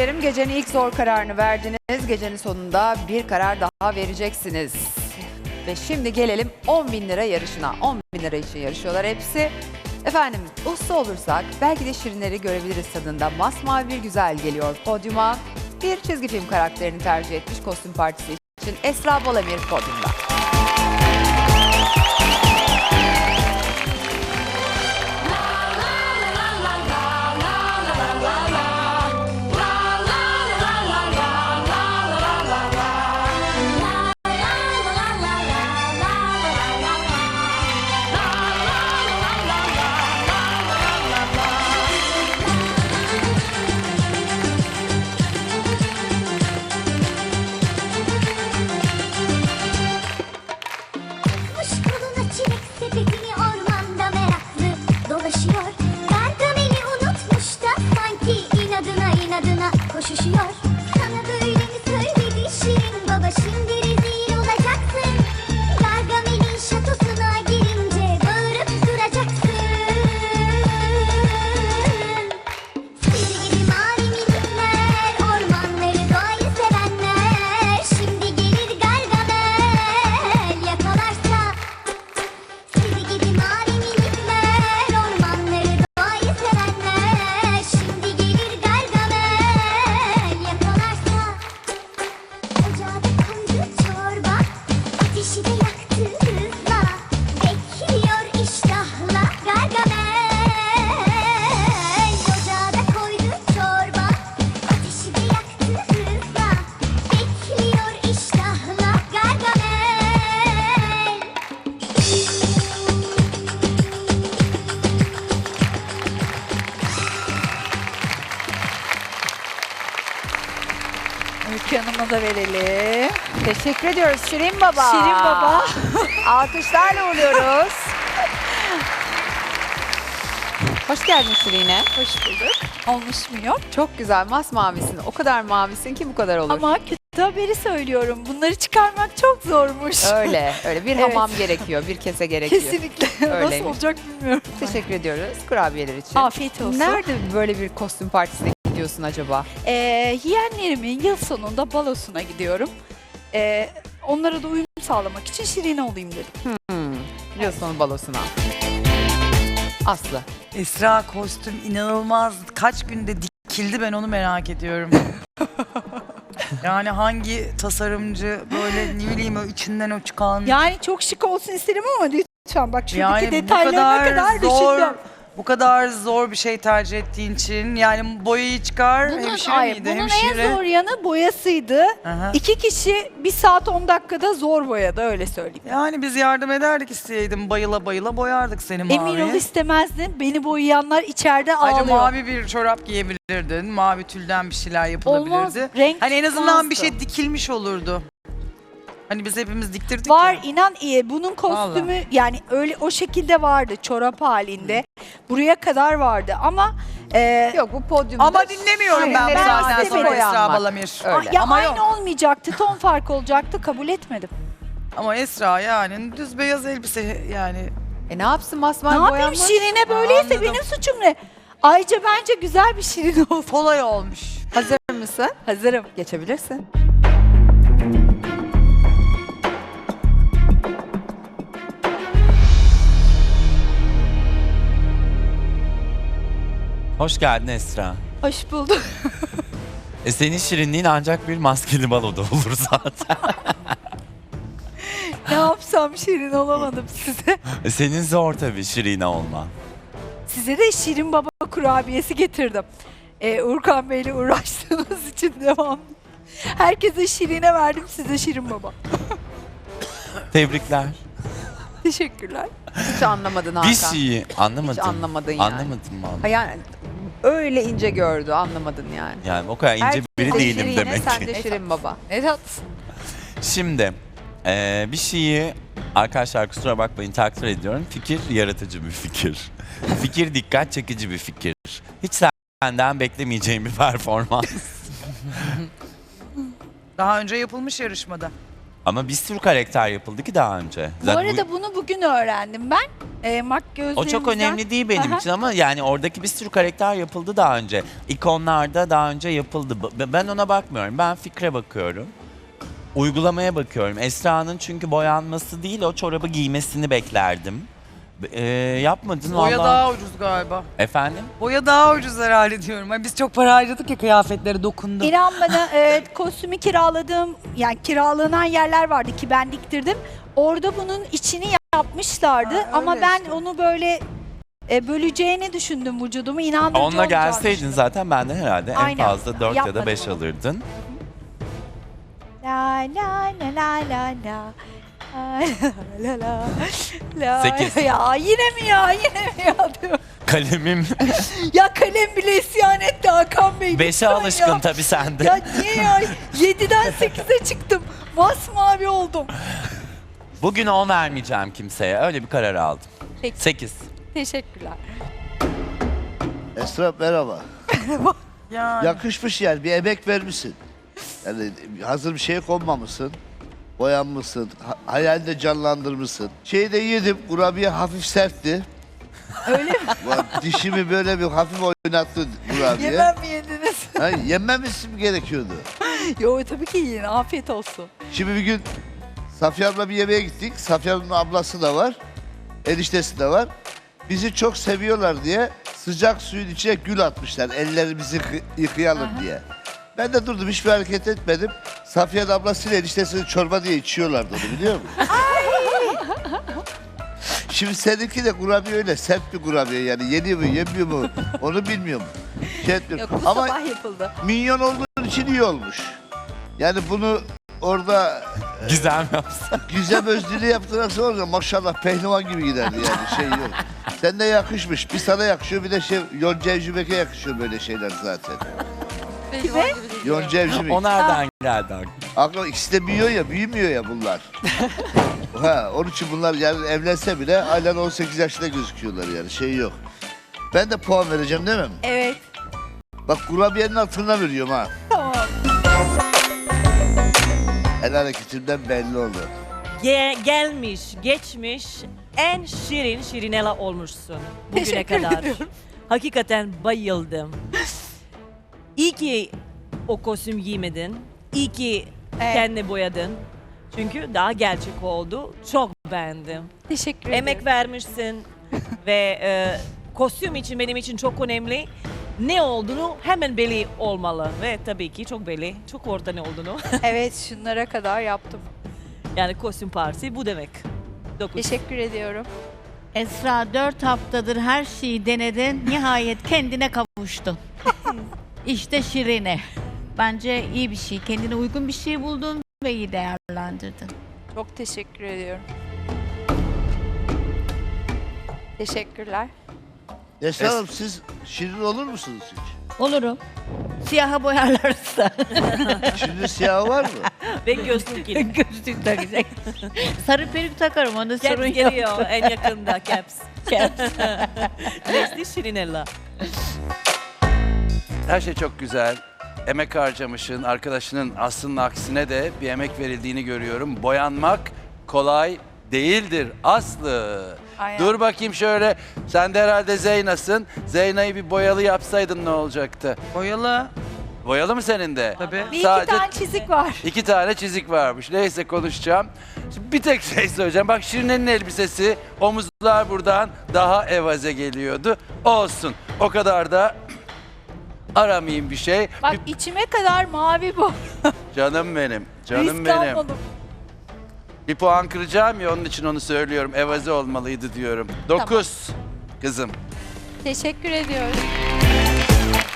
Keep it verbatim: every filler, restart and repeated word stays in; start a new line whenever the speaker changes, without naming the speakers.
kurabiyelerım, gecenin ilk zor kararını verdiniz. Gecenin sonunda bir karar daha vereceksiniz. Ve şimdi gelelim on bin lira yarışına. on bin lira için yarışıyorlar hepsi. Efendim usta olursak belki de şirinleri görebiliriz tadında. Masmavi bir güzel geliyor podyuma. Bir çizgi film karakterini tercih etmiş kostüm partisi için Esra Balamir podyumda.
Koşuşuyor. Sana böyle mi söyledi Şirin baba, şimdi rezil olacaksın. Gargamel'in şatosuna girince bağırıp duracaksın. Seni gibi mavi minikler, ormanları doğayı sevenler. Şimdi gelir Gargamel yakalarsa. Seni gibi mavi minikler, ormanları doğayı sevenler. Şimdi gelir Gargamel. Ateşi de yaktı hızla, bekliyor iştahla Gargamel. Ocağa da koydu çorba, ateşi de yaktı hızla, bekliyor iştahla Gargamel.
Ülke Hanım'a da verelim.
Teşekkür ediyoruz Şirin Baba.
Şirin Baba.
Alkışlarla uğurluyoruz. Hoş geldin Şirin'e.
Hoş bulduk. Olmuş muyum?
Çok güzel masmavisin. O kadar mavisin ki bu kadar olur.
Ama kötü haberi söylüyorum. Bunları çıkarmak çok zormuş.
Öyle, öyle. Bir
Evet.
hamam gerekiyor, bir kese gerekiyor.
Kesinlikle. Nasıl
Öyleymiş.
olacak bilmiyorum.
Teşekkür ediyoruz kurabiyeler için.
Afiyet olsun.
Nerede böyle bir kostüm partisine gidiyorsun acaba?
Ee, yeğenlerimin yıl sonunda balosuna gidiyorum. Ee, onlara da uyum sağlamak için Şirin olayım dedim.
Hmm. Yıl sonu balosuna. Aslı.
Esra kostüm inanılmaz. Kaç günde dikildi, ben onu merak ediyorum. Yani hangi tasarımcı böyle ne bileyim o içinden o çıkan.
Yani çok şık olsun isterim ama lütfen bak şuradaki
Yani bu
detaylarına
kadar,
kadar
zor,
düşündüm.
bu kadar zor bir şey tercih ettiğin için yani boyayı çıkar.
Bunun,
hemşire
ay,
miydi?
bunun
Hemşire.
en zor yanı boyasıydı.
Aha.
İki kişi bir saat on dakikada zor boyadı, öyle söyleyeyim.
Yani biz yardım ederdik, isteyeydim bayıla bayıla boyardık seni maviye.
Emin ol istemezdin. Beni boyayanlar içeride
Ayrıca
ağlıyor.
mavi bir çorap giyebilirdin. Mavi tülden bir şeyler yapılabilirdi.
Olmaz, renk
Hani en azından bir
çıkmazdı.
şey dikilmiş olurdu. Hani biz hepimiz diktirdik
Var,
ya.
inan iyi. Bunun kostümü yani öyle o şekilde vardı, çorap halinde. Buraya kadar vardı ama e,
Yok bu podyumda.
Ama dinlemiyorum ben bu
Şirinlerin
saatten
ağzı
sonra
boyanmak.
Esra Balamir.
Öyle.
ya
Ama
aynı
yok.
olmayacaktı, ton farkı olacaktı, kabul etmedim.
Ama Esra yani düz beyaz elbise yani.
E ne yapsın masmavi
Ne yapayım,
boyanmış?
Şirin'e böyleyse
Anladım.
benim suçum ne? Ayrıca bence güzel bir Şirin oldu.
Kolay olmuş.
Hazır mısın?
Hazırım.
Geçebilirsin.
Hoş geldin Esra.
Hoş bulduk.
E senin şirinliğin ancak bir maskeli baloda olur zaten.
Ne yapsam Şirin olamadım size.
E senin zor tabii şirine olman.
Size de Şirin Baba kurabiyesi getirdim. Ee, Urkan Bey'le uğraştığınız için devamlı. Herkese Şirin'e verdim, size Şirin Baba.
Tebrikler.
Teşekkürler.
Hiç anlamadın Hakan.
Bir şeyi anlamadım.
Hiç anlamadın yani.
Anlamadım
Ha
vallahi.
yani öyle ince gördü, anlamadın yani.
Yani o kadar ince
Herkes
biri
de
değilim
Şirin'e,
demek
sen
ki.
de Şirin Baba.
Ne tatlısın.
Şimdi e, bir şeyi arkadaşlar kusura bakmayın takdir ediyorum. Fikir yaratıcı bir fikir. Fikir dikkat çekici bir fikir. Hiç senden beklemeyeceğim bir performans.
Daha önce yapılmış yarışmada.
Ama bir sürü karakter yapıldı ki daha önce.
Bu
Zaten
arada bunu bugün öğrendim ben. E, mak
O
gözlerimizden.
çok önemli değil benim
Aha.
için ama yani oradaki bir sürü karakter yapıldı daha önce. İkonlarda daha önce yapıldı. B- Ben ona bakmıyorum. Ben fikre bakıyorum. Uygulamaya bakıyorum. Esra'nın çünkü boyanması değil o çorabı giymesini beklerdim. Ee, yapmadın
Boya
valla.
daha ucuz galiba.
Efendim?
Boya daha ucuz herhalde diyorum. Ay biz çok para harcadık ya kıyafetlere dokundum.
İnan bana e, kostümü kiraladığım, yani kiralanan yerler vardı ki ben diktirdim. Orada bunun içini yapmışlardı
Ha,
ama
öyle
ben
işte.
onu böyle e, böleceğini düşündüm vücudumu. İnandırıcı
Onunla
olacağını
gelseydin
düşündüm.
zaten benden herhalde
Aynen.
en fazla dört ya da
Yapmadım
beş
onu.
alırdın.
La la la la la la. La la la la.
Sekiz.
Ya yine mi ya yine mi ya diyor.
Kalemim
Ya kalem bile isyan etti Hakan Bey.
beşe
lütfen
alışkın
ya.
tabii sende.
Ya niye ya? yediden sekize çıktım. Masmavi oldum.
Bugün on vermeyeceğim kimseye. Öyle bir karar aldım.
Peki.
sekiz.
Teşekkürler.
Esra merhaba.
Yani.
Yakışmış yani bir emek vermişsin. Yani hazır bir şeye konmamışsın. Boyanmışsın. Ha- hayalini canlandırmışsın. Şeyi de yedim. Kurabiye hafif sertti.
Öyle mi?
Ulan dişimi böyle bir hafif oynattı kurabiye.
Yemem mi yediniz?
Ha, yenmemesi mi gerekiyordu?
Yo tabii ki yiyin. Afiyet olsun.
Şimdi bir gün Safiye abla bir yemeğe gittik. Safiye ablanın ablası da var. Eniştesi de var. Bizi çok seviyorlar diye sıcak suyun içine gül atmışlar. Ellerimizi yıkı- yıkayalım diye. Ben de durdum hiçbir hareket etmedim. Safiye'nin ablasıyla eniştesini çorba diye içiyorlardı onu biliyor musun? Şimdi seninki de kurabiye öyle sert bir kurabiye yani yeniyor mu yemiyor mu onu bilmiyorum. Şey etmiyorum.
Yok bu
Ama
sabah yapıldı.
minyon olduğun için iyi olmuş. Yani bunu orada
Gizem yapsın.
Güzel özlülü yaptırırsa olacak maşallah pehlivan gibi giderdi yani şey yok. Sen de yakışmış. Bir sana yakışıyor bir de şey Yonca Evcimek'e yakışıyor böyle şeyler zaten.
Kime?
Yonca Evcimek.
O nereden geldi aklına?
Aklı ikisi de büyüyor ya büyümüyor ya bunlar. Ha, onun için bunlar yani evlense bile halen on sekiz yaşında gözüküyorlar yani şey yok. Ben de puan vereceğim değil mi?
Evet.
Bak kurabiyenin altına veriyorum ha.
Tamam.
El hareketimden belli oldu.
Ge- gelmiş, geçmiş en şirin Şirinela olmuşsun bugüne
Teşekkür
kadar.
ediyorum.
Hakikaten bayıldım. İyi ki o kostüm giymedin. İyi ki
Evet.
kendini boyadın. Çünkü daha gerçek oldu. Çok beğendim.
Teşekkür ederim.
Emek vermişsin ve e, kostüm için benim için çok önemli. Ne olduğunu hemen belli olmalı ve tabii ki çok belli. Çok orada ne olduğunu.
Evet şunlara kadar yaptım.
Yani kostüm partisi bu demek. Dokuz.
Teşekkür ediyorum.
Esra dört haftadır her şeyi denedin. Nihayet kendine kavuştun. İşte Şirine. Bence iyi bir şey. Kendine uygun bir şey buldun ve iyi değerlendirdin.
Çok teşekkür ediyorum. Teşekkürler.
Esra Hanım siz şirin olur musunuz hiç?
Olurum. Siyaha boyarlarsa.
Şimdi siyah var mı?
Ve gözlük yine.
Gözlük takacak. Sarı peruk takarım onu sorun
Caps
yok.
geliyor en yakında Caps. Nesli Şirinella.
Her şey çok güzel. Emek harcamışın, arkadaşının aslının aksine de bir emek verildiğini görüyorum. Boyanmak kolay değildir Aslı.
Aynen.
Dur bakayım şöyle. Sen de herhalde Zeyna'sın. Zeyna'yı bir boyalı yapsaydın ne olacaktı?
Boyalı.
Boyalı mı senin de?
Tabii.
Bir iki
Sadece-
tane çizik var.
İki tane çizik varmış. Neyse konuşacağım. Şimdi bir tek şey söyleyeceğim. Bak Şirine'nin elbisesi omuzlar buradan daha evaze geliyordu. Olsun. O kadar da aramayayım bir şey.
Bak
Bir-
içime kadar mavi bu.
Canım benim. Canım
Risk
benim.
almadım.
Bir puan kıracağım ya onun için onu söylüyorum. Evaze olmalıydı diyorum. Dokuz. Kızım.
Teşekkür ediyorum.